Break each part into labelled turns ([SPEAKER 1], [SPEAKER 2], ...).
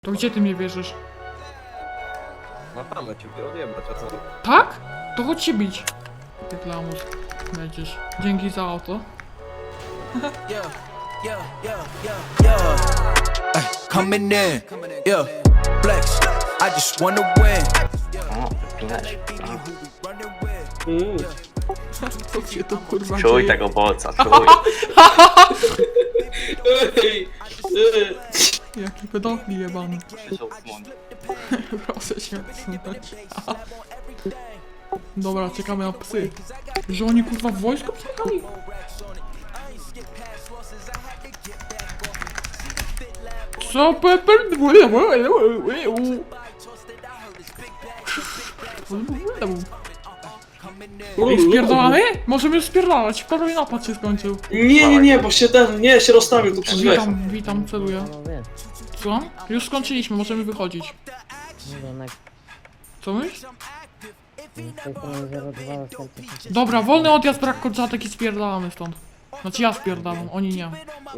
[SPEAKER 1] To gdzie ty mnie wierzysz?
[SPEAKER 2] Na tamę cię odjebać, a co?
[SPEAKER 1] Tak? To chodź się bić. Ty lamus. Będziesz. Dzięki za auto.
[SPEAKER 3] Coming in, yeah, flex. I just wanna win.
[SPEAKER 4] O, wypinać.
[SPEAKER 1] Co się to kurwa
[SPEAKER 4] Czuj
[SPEAKER 1] dzieje?
[SPEAKER 4] tego bolca, czuj.
[SPEAKER 1] Jaki pedofil jebany.
[SPEAKER 4] Przyszł słoń.
[SPEAKER 1] Proszę się odsunąć. Dobra, czekamy na psy. Że oni kurwa w wojsku przyjechali? Co Pepper? Ej, spierdolamy? Możemy już spierdalać, prawie napad się skończył.
[SPEAKER 5] Nie, bo się się rozstawił tu przy drzwiach.
[SPEAKER 1] Witam, celuję. Co? Już skończyliśmy, możemy wychodzić. Co myślisz? Dobra, wolny odjazd, brak kolczatek i spierdalamy stąd. Znaczy ja spierdalam, oni nie.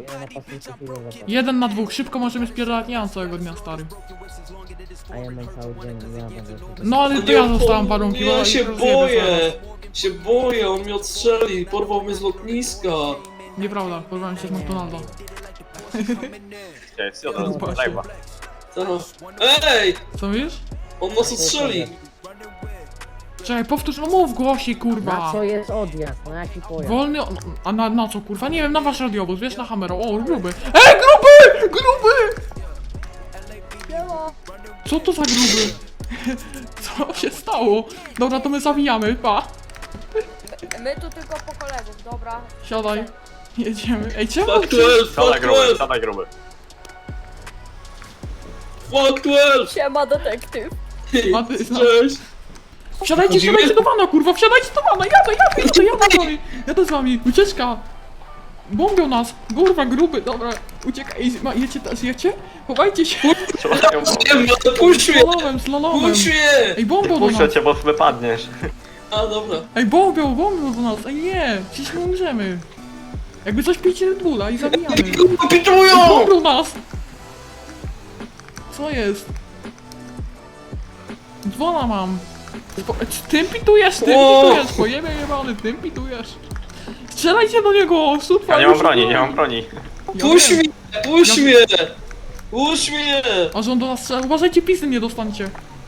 [SPEAKER 1] 1 na 2, szybko możemy spierdalać, nie mam całego dnia, stary.
[SPEAKER 6] A ja mam cały dzień, ja będę...
[SPEAKER 1] No ale to ja zostałem warunki,
[SPEAKER 5] Nie,
[SPEAKER 1] bo
[SPEAKER 5] ja się
[SPEAKER 1] rozjebie
[SPEAKER 5] boję, on mnie odstrzeli, porwał mnie z lotniska.
[SPEAKER 1] zaraz. Nieprawda, porwałem się z McDonalda.
[SPEAKER 4] Chciałeś się od live'a.
[SPEAKER 5] Ej,
[SPEAKER 1] Co wiesz?
[SPEAKER 5] on nas odstrzeli.
[SPEAKER 1] Czekaj, powtórz, no mów głośniej,
[SPEAKER 6] Na
[SPEAKER 1] kurwa.
[SPEAKER 6] co jest odjazd? Na jaki pojazd?
[SPEAKER 1] Wolny, a na co kurwa? Nie wiem, na wasz radiowóz, wiesz, na Hammero. O, gruby. Ej, gruby! Gruby! Co to za gruby? Co się stało? Dobra, to my zawijamy, pa.
[SPEAKER 7] My tu tylko po kolegów, dobra.
[SPEAKER 1] Siadaj. Jedziemy. Ej, czemu?
[SPEAKER 5] Fuck 12,
[SPEAKER 4] Siadaj
[SPEAKER 5] fuck
[SPEAKER 4] gruby,
[SPEAKER 5] 12,
[SPEAKER 4] siadaj gruby.
[SPEAKER 5] fuck 12.
[SPEAKER 7] Siema detektyw.
[SPEAKER 1] Maty, no.
[SPEAKER 5] Cześć.
[SPEAKER 1] Wsiadajcie,
[SPEAKER 5] Chodzimy?
[SPEAKER 1] wsiadajcie do wana, kurwa, wsiadajcie do wana, jadę z wami, ucieczka. Bombią nas, kurwa, gruby, dobra, uciekaj, jecie teraz, jecie? Chowajcie się,
[SPEAKER 5] Puść mnie,
[SPEAKER 1] slalomem.
[SPEAKER 5] puść mnie.
[SPEAKER 1] Ej, bombią do
[SPEAKER 4] Puszczę
[SPEAKER 1] nas,
[SPEAKER 4] cię, bo wypadniesz.
[SPEAKER 5] A dobra.
[SPEAKER 1] ej, bombią do nas, ej, nie, przecież my umrzemy. Jakby coś pijcie Red Bulla i zabijamy. Ej,
[SPEAKER 5] Pitują!
[SPEAKER 1] bombią nas. Co jest? Dzwona mam. Tym pitujesz, pojebie jebany, tym pitujesz. Strzelajcie do niego, sutwa
[SPEAKER 4] Ja nie mam broni, nie mam broni.
[SPEAKER 5] Puść mnie, puść mnie. Puść mnie.
[SPEAKER 1] A że on do nas strzela, uważajcie, pisy nie dostańcie.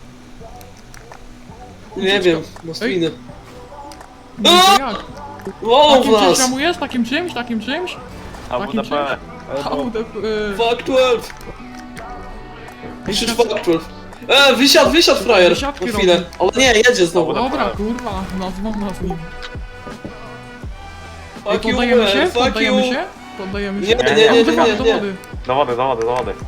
[SPEAKER 5] Nie wiem, na spinę.
[SPEAKER 1] Nie wiem jak.
[SPEAKER 5] Wow, w
[SPEAKER 1] Takim czymś
[SPEAKER 5] nas.
[SPEAKER 1] ramujesz? Takim czymś?
[SPEAKER 4] A
[SPEAKER 1] Takim
[SPEAKER 4] WDP.
[SPEAKER 1] AWDP.
[SPEAKER 5] Fuck 12. Krzyż fuck 12. Wysiadł frajer.
[SPEAKER 1] Wysiadki
[SPEAKER 5] Na chwilę. Ale nie, jedzie znowu.
[SPEAKER 1] Dobra, kurwa, nazwą nas nim. Ej,
[SPEAKER 5] Fuck you,
[SPEAKER 1] poddajemy się?
[SPEAKER 5] man, fuck
[SPEAKER 1] Poddajemy
[SPEAKER 5] you.
[SPEAKER 1] się? Poddajemy się?
[SPEAKER 5] Nie,
[SPEAKER 1] Do wody, do
[SPEAKER 5] nie.
[SPEAKER 1] wody.
[SPEAKER 4] Do wody, do wody, do wody.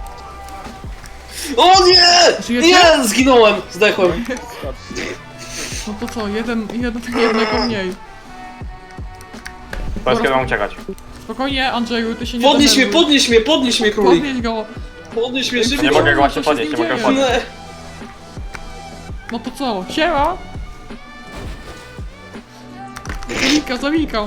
[SPEAKER 5] O nie!
[SPEAKER 1] Żyjecie?
[SPEAKER 5] Nie, zginąłem, zdechłem.
[SPEAKER 1] No to co, jednego mniej.
[SPEAKER 4] Powiedz kiedy mam uciekać.
[SPEAKER 1] Spokojnie, Andrzeju, ty się nie
[SPEAKER 5] Podnieś mnie,
[SPEAKER 1] denerwuj.
[SPEAKER 5] podnieś mnie, królik.
[SPEAKER 1] Podnieś go.
[SPEAKER 5] Podnieś mnie,
[SPEAKER 4] Nie
[SPEAKER 5] szybko.
[SPEAKER 4] mogę go
[SPEAKER 1] Co
[SPEAKER 4] właśnie
[SPEAKER 1] się z
[SPEAKER 4] podnieść,
[SPEAKER 1] nim
[SPEAKER 4] nie mogę
[SPEAKER 1] dzieje?
[SPEAKER 4] podnieść.
[SPEAKER 5] Nie.
[SPEAKER 1] No to co, siema! Zamika.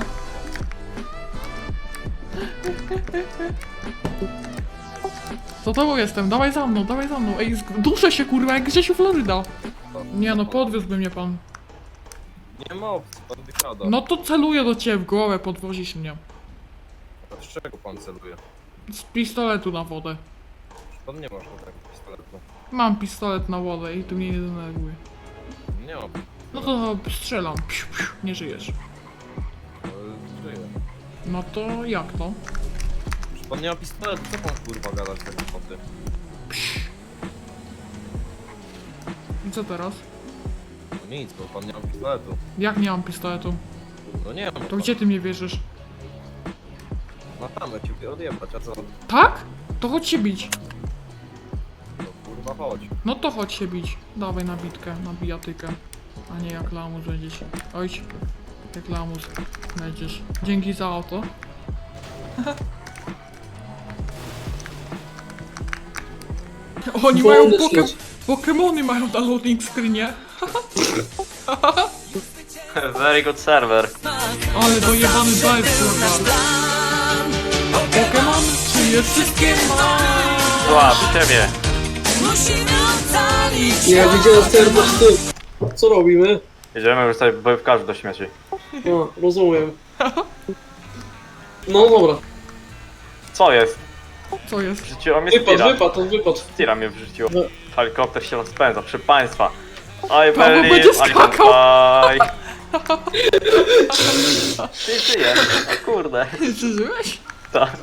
[SPEAKER 1] Co tobą jestem? Dawaj za mną. Ej, duszę się kurwa, jak Grzesiu Floryda. Nie no, podwiózłby mnie pan.
[SPEAKER 2] Nie ma opcji, pan wysiada.
[SPEAKER 1] No to celuję do ciebie w głowę, podwozisz mnie.
[SPEAKER 2] Z czego pan celuje?
[SPEAKER 1] Z pistoletu na wodę.
[SPEAKER 2] Pan nie ma żadnego pistoletu.
[SPEAKER 1] Mam pistolet na wodę i tu mnie nie denerwuje.
[SPEAKER 2] Nie ma.
[SPEAKER 1] No to strzelam. Psiu, psiu, nie żyjesz.
[SPEAKER 2] Żyje.
[SPEAKER 1] No to jak to?
[SPEAKER 2] Pan nie ma pistoletu, co pan kurwa gadać takie foty?
[SPEAKER 1] I co teraz?
[SPEAKER 2] No nic, bo pan nie ma pistoletu.
[SPEAKER 1] Jak nie mam pistoletu?
[SPEAKER 2] No nie mam.
[SPEAKER 1] To gdzie ty mnie wierzysz?
[SPEAKER 2] Na tamę cię odjebać, a co?
[SPEAKER 1] Tak? To chodź się bić.
[SPEAKER 2] No kurwa chodź.
[SPEAKER 1] No to chodź się bić. Dawaj na bitkę, na bijatykę. A nie jak lamus będziesz. Ojcz, jak lamus będziesz. Dzięki za auto. Oni mają Pokemony mają na loading screenie.
[SPEAKER 4] Very good server.
[SPEAKER 1] Ale dojebany drive, kurwa. Pokemon, czy je wszystkie ma?
[SPEAKER 4] Zła, przy ciebie.
[SPEAKER 5] Nie, widziałem ten po prostu. Co robimy?
[SPEAKER 4] Jedziemy już sobie bojówkarzy do śmieci.
[SPEAKER 5] No, rozumiem. No dobra.
[SPEAKER 4] Co jest?
[SPEAKER 1] Co jest?
[SPEAKER 4] Wrzuciło mnie Stira.
[SPEAKER 5] Wypad.
[SPEAKER 4] Stira mnie wrzuciło.
[SPEAKER 5] No.
[SPEAKER 4] Helikopter się rozpędza, proszę państwa. I
[SPEAKER 1] Paweł będzie
[SPEAKER 4] believe I can
[SPEAKER 1] skakał.
[SPEAKER 4] fly. Ty żyje, o kurde.
[SPEAKER 1] Przeżyłeś?
[SPEAKER 4] Tak.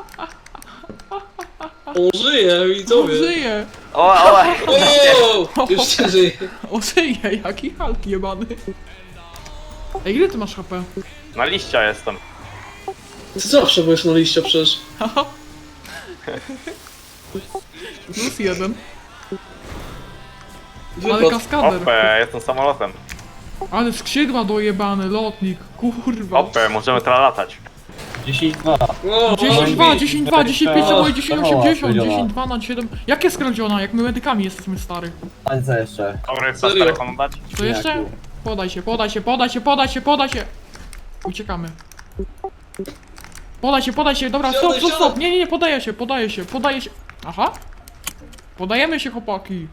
[SPEAKER 5] On żyje, widzowie.
[SPEAKER 1] Żyje!
[SPEAKER 4] O,
[SPEAKER 5] O, już się żyje.
[SPEAKER 1] O, żyje, jaki Hulk jebany. Ej, ile ty masz HP?
[SPEAKER 4] na liścia jestem.
[SPEAKER 5] Ty zawsze byłeś na liście przecież.
[SPEAKER 1] Plus jeden. Ale
[SPEAKER 5] Wypad.
[SPEAKER 1] kaskader.
[SPEAKER 4] Opę, jestem samolotem.
[SPEAKER 1] Ale skrzydła dojebane, lotnik. Kurwa.
[SPEAKER 4] Opę, możemy teraz latać.
[SPEAKER 5] No,
[SPEAKER 1] 10-2, 10-2, 10-5, 10-80,
[SPEAKER 8] skradziona.
[SPEAKER 1] 10-2 na 7. Jak jest skradziona? Jak my medykami jesteśmy stary.
[SPEAKER 8] A co jeszcze?
[SPEAKER 4] Dobry, chcesz
[SPEAKER 5] Serio?
[SPEAKER 4] telefon dać?
[SPEAKER 1] To jeszcze? Podaj się, podaj się, podaj się, podaj się, podaj się. Uciekamy. Podaj się, dobra, stop,
[SPEAKER 5] Siadaj,
[SPEAKER 1] stop, stop.
[SPEAKER 5] siadaj.
[SPEAKER 1] Nie, podaję się, podaję się, podaję się. Aha. Podajemy się, chłopaki.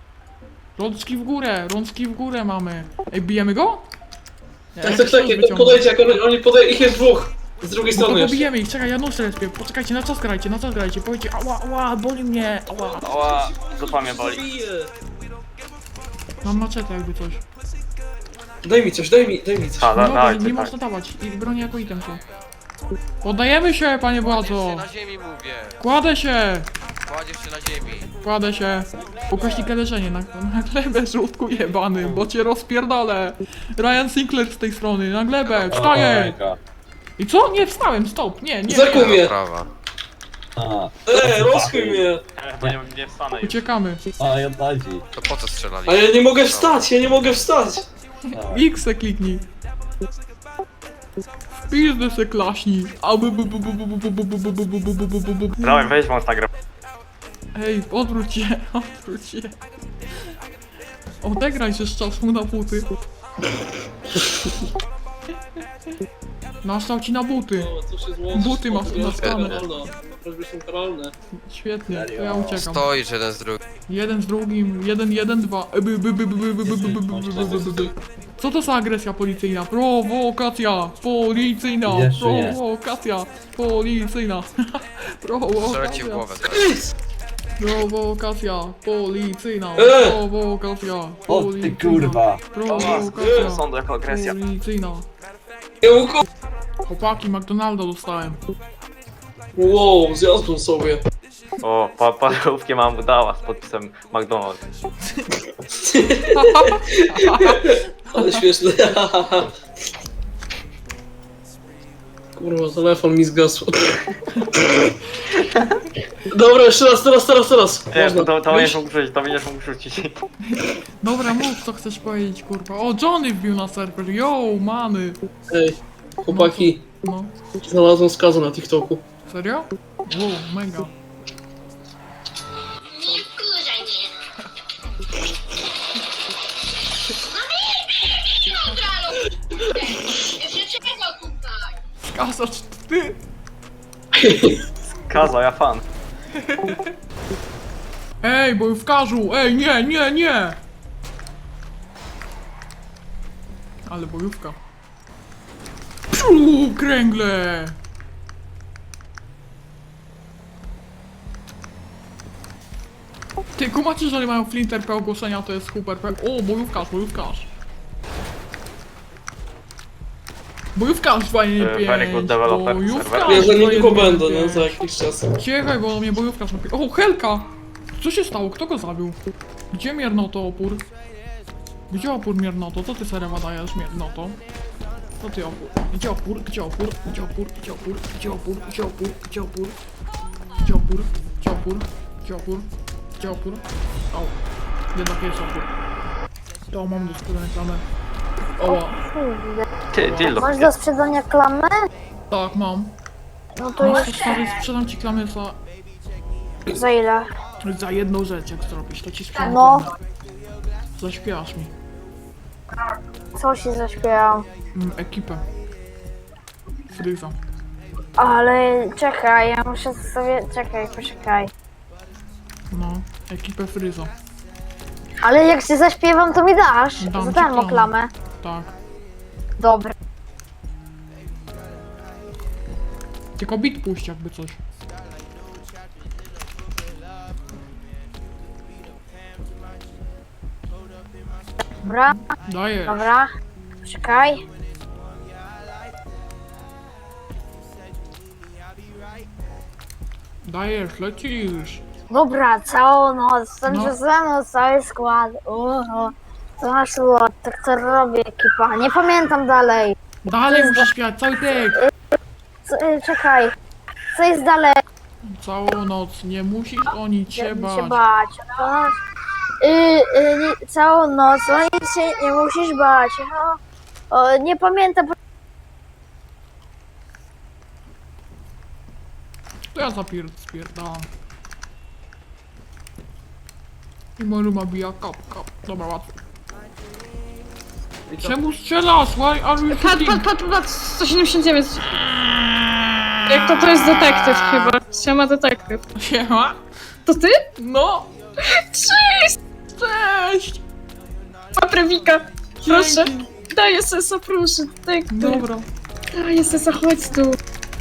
[SPEAKER 1] Rączki w górę mamy. Ej, bijemy go? Nie,
[SPEAKER 5] Tak,
[SPEAKER 1] jakiś nóż wyciągnę.
[SPEAKER 5] podajcie, jak oni podają, ich jest dwóch. Z drugiej
[SPEAKER 1] No to
[SPEAKER 5] strony jeszcze.
[SPEAKER 1] pobijemy ich, czekaj, ja nóż respię. Poczekajcie, na czas grajcie, powiedzcie, ała, boli mnie, ała.
[SPEAKER 4] Ała, zupa mnie boli.
[SPEAKER 5] Bije.
[SPEAKER 1] Mam maczetę jakby coś.
[SPEAKER 5] Daj mi coś.
[SPEAKER 4] A,
[SPEAKER 1] No dobra,
[SPEAKER 4] daj,
[SPEAKER 1] nie
[SPEAKER 4] tak.
[SPEAKER 1] można dawać, i broni jako item są. Poddajemy się, panie władzo.
[SPEAKER 9] Na ziemi mówię.
[SPEAKER 1] Kładę się,
[SPEAKER 9] Kładziesz się na ziemi.
[SPEAKER 1] kładę się. Ukośnik leżenie na glebę, żółtku jebany, bo cię rozpierdolę. Ryan Sinclair z tej strony, na glebę, wstaję. I co? Nie, wstałem, stop, nie.
[SPEAKER 5] Zakuł mnie.
[SPEAKER 9] Prawa.
[SPEAKER 5] Rozchuj mnie.
[SPEAKER 4] Bo nie wstanę już.
[SPEAKER 1] Uciekamy.
[SPEAKER 8] A, ja dajcie.
[SPEAKER 9] To po co strzelali?
[SPEAKER 5] A ja nie mogę wstać,
[SPEAKER 1] X se kliknij. W pizdę se klaśnij.
[SPEAKER 4] Dawaj, weź wąs nagrę.
[SPEAKER 1] Ej, odwróć się. Odegraj się z czasu na buty. Nastał ci na buty. Buty masz naskane.
[SPEAKER 5] Prośby są karalne.
[SPEAKER 1] Świetnie, to ja uciekam.
[SPEAKER 9] Stoisz jeden z drugim.
[SPEAKER 1] Jeden z drugim, 1-1-2. Co to za agresja policyjna? Prowokacja policyjna!
[SPEAKER 8] Jeszcze nie.
[SPEAKER 1] Prowokacja policyjna!
[SPEAKER 9] Strzelę ci w
[SPEAKER 1] Prowokacja!
[SPEAKER 9] głowę zaraz.
[SPEAKER 1] Prowokacja policyjna! Prowokacja
[SPEAKER 8] O ty kurwa.
[SPEAKER 1] Prowokacja
[SPEAKER 4] Sądu jako agresja.
[SPEAKER 1] policyjna!
[SPEAKER 5] Kiełko!
[SPEAKER 1] Chłopaki, McDonalda dostałem.
[SPEAKER 5] Wow, zjadłem sobie.
[SPEAKER 4] O, parówki mam dała z podpisem McDonald's.
[SPEAKER 5] Ale śmieszne. Kurwa, telefon mi zgasł. Dobra, jeszcze teraz.
[SPEAKER 4] Nie,
[SPEAKER 5] Można.
[SPEAKER 4] to
[SPEAKER 5] Wyjść?
[SPEAKER 4] będziesz mógł rzucić, to będziesz mógł rzucić.
[SPEAKER 1] Dobra, mów co chcesz powiedzieć, kurwa. O, Johnny wbił na serwer, yo, many!
[SPEAKER 5] Ej, chłopaki,
[SPEAKER 1] No,
[SPEAKER 5] znalazłem skazę na TikToku.
[SPEAKER 1] serio? Wow, mega.
[SPEAKER 10] Nie wkurzaj mnie. No nie, jeszcze czego tutaj?
[SPEAKER 1] Skasacz, ty!
[SPEAKER 4] Kaza, ja fan.
[SPEAKER 1] Ej, bojówkarzu! Ej, nie! Ale bojówka. Psiu, kręgle! Ty, kumacie, że oni mają flinter P ogłoszenia, to jest super P. O, bojówkarz. Bojówkarz fajnie
[SPEAKER 4] Very good developer serwera.
[SPEAKER 5] Ja za niedługo
[SPEAKER 1] 2.1.5.
[SPEAKER 5] będę, nie? Za jakiś czas.
[SPEAKER 1] Ciechaj, bo mnie bojówkarz napi... O, Helka! Co się stało? Kto go zabił? Gdzie miernoto opór? Gdzie opór miernoto? Co ty serewa dajesz miernoto? Co ty opór? Gdzie opór? Gdzie opór? Gdzie opór? Gdzie opór? Gdzie opór? Gdzie opór? Gdzie opór? Gdzie opór? Gdzie opór? Gdzie opór? Gdzie opór? O, jednak jest opór. To mam do sprzedania klamę. Oła,
[SPEAKER 4] Ty, dildo.
[SPEAKER 10] Masz do sprzedania klamę?
[SPEAKER 1] tak mam.
[SPEAKER 10] No to
[SPEAKER 1] No,
[SPEAKER 10] już
[SPEAKER 1] stary, sprzedam ci klamę
[SPEAKER 10] za ile?
[SPEAKER 1] za jedną rzecz, jak zrobisz, to ci sprzedam
[SPEAKER 10] No.
[SPEAKER 1] klamę. Zaśpiewasz mi.
[SPEAKER 10] Co się zaśpiewam?
[SPEAKER 1] Ekipę. Fryza.
[SPEAKER 10] Ale czekaj, ja muszę sobie... Czekaj, poczekaj.
[SPEAKER 1] No. Ekipę Fryza.
[SPEAKER 10] Ale jak się zaśpiewam, to mi dasz.
[SPEAKER 1] Dam
[SPEAKER 10] Za
[SPEAKER 1] ci
[SPEAKER 10] darmo
[SPEAKER 1] klamę.
[SPEAKER 10] klamę.
[SPEAKER 1] Tak.
[SPEAKER 10] Dobra.
[SPEAKER 1] Tylko bit puść jakby coś.
[SPEAKER 10] Dobra,
[SPEAKER 1] Dajesz.
[SPEAKER 10] dobra. Czekaj.
[SPEAKER 1] Dajesz, lecisz.
[SPEAKER 10] Dobra, całą noc,
[SPEAKER 1] No.
[SPEAKER 10] tańczę ze mną cały skład. To nasz ład, tak to robi ekipa. Nie pamiętam dalej.
[SPEAKER 1] Dalej musisz śpiewać, cały tekst.
[SPEAKER 10] Czekaj. Co jest dalej?
[SPEAKER 1] Całą noc, nie musisz o nic się
[SPEAKER 10] się
[SPEAKER 1] bać.
[SPEAKER 10] bać. Całą noc, o nic się nie musisz bać. Nie pamiętam.
[SPEAKER 1] To ja spierdalam. I Maruma bija kap. Dobra, łatwo. Czemu strzelasz? Why are you shooting?
[SPEAKER 7] Patrz, 179. Jak to jest detektyw chyba. Siema detektyw.
[SPEAKER 1] Siema?
[SPEAKER 7] To ty?
[SPEAKER 1] No!
[SPEAKER 7] Cześć!
[SPEAKER 1] Cześć!
[SPEAKER 7] Paprewika. Proszę.
[SPEAKER 1] Dzięki.
[SPEAKER 7] Daję sesa, proszę. Detektyw.
[SPEAKER 1] Dobra,
[SPEAKER 7] Daję sesa, chodź tu.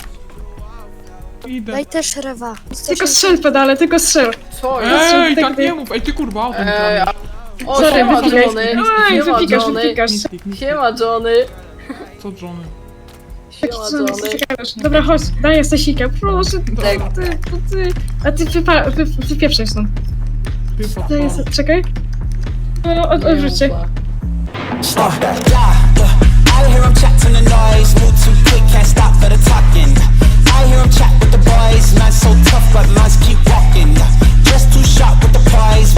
[SPEAKER 1] idę.
[SPEAKER 10] też rewa.
[SPEAKER 7] Tylko strzel pedale, tylko strzel.
[SPEAKER 11] Co
[SPEAKER 1] Ej,
[SPEAKER 7] tak
[SPEAKER 1] tak nie mów! Ej, ty kurwa, o tym
[SPEAKER 11] Ej,
[SPEAKER 1] kradniesz.
[SPEAKER 11] O,
[SPEAKER 7] Sorry,
[SPEAKER 11] siema
[SPEAKER 7] wypikaj.
[SPEAKER 11] Johnny!
[SPEAKER 7] Ej,
[SPEAKER 11] Siema
[SPEAKER 7] wypikasz,
[SPEAKER 11] Johnny!
[SPEAKER 7] wypikasz.
[SPEAKER 11] Siema Johnny!
[SPEAKER 1] Co Johnny?
[SPEAKER 11] Siema
[SPEAKER 7] Co
[SPEAKER 11] Johnny!
[SPEAKER 7] gadasz? Dobra, chodź, daję sesika, proszę.
[SPEAKER 11] Tak.
[SPEAKER 7] Ty. A ty wypieprzaj stąd.
[SPEAKER 1] Ty
[SPEAKER 7] Daję
[SPEAKER 1] podpal.
[SPEAKER 7] czekaj. Odwróć się.
[SPEAKER 3] I hear 'em chat to the noise, move too quick, can't stop for the talking. I hear 'em chat with the boys, man so tough, but mans keep walking. Just too sharp with the prize,